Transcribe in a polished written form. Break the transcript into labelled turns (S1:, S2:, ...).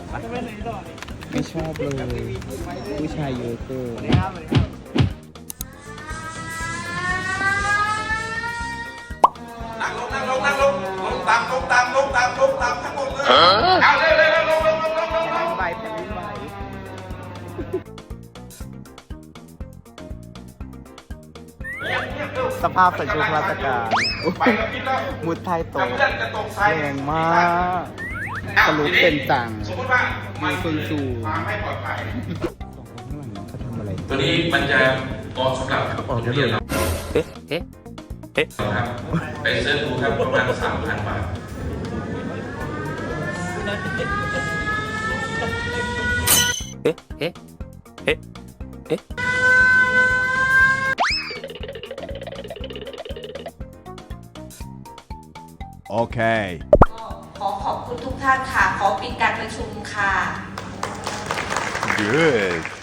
S1: ไม่ชอบเลยผู้ชายเยอะเกิน
S2: นั่งลงนั่งลงนั่งลงลงตามลงตามลงตามลงตามทั้งหมดเลยเอาเร็วเร็วลงลงลงลงลงลง
S1: ไปแผ่นดินไหวสภาพใส่ชุดราชการ
S2: ไปแล้วคิดแล้ว
S1: มุดไทยโต
S2: เพื่อนจะตกใส่
S1: แรงมากทะลุเป็นจัง
S2: สมมติว่ามัน
S1: มีคนสูง
S2: มาไม่ปลอดภัย
S1: ข้างหลังเขาทำอะไร
S2: ตัวนี้มันจะเหมาะสำหรับนักเรียนเรา
S1: เอ๊ะเอ๊ะเอ๊ะ
S2: ครับไปเสิร์ชดูครับประมาณ 3,000 บาท
S1: เอ๊ะเอ๊ะเอ๊ะเอ๊ะ
S3: โอเค
S4: ขอขอบคุณทุกท่านค่ะ ขอปิดการประชุมค่ะ
S3: good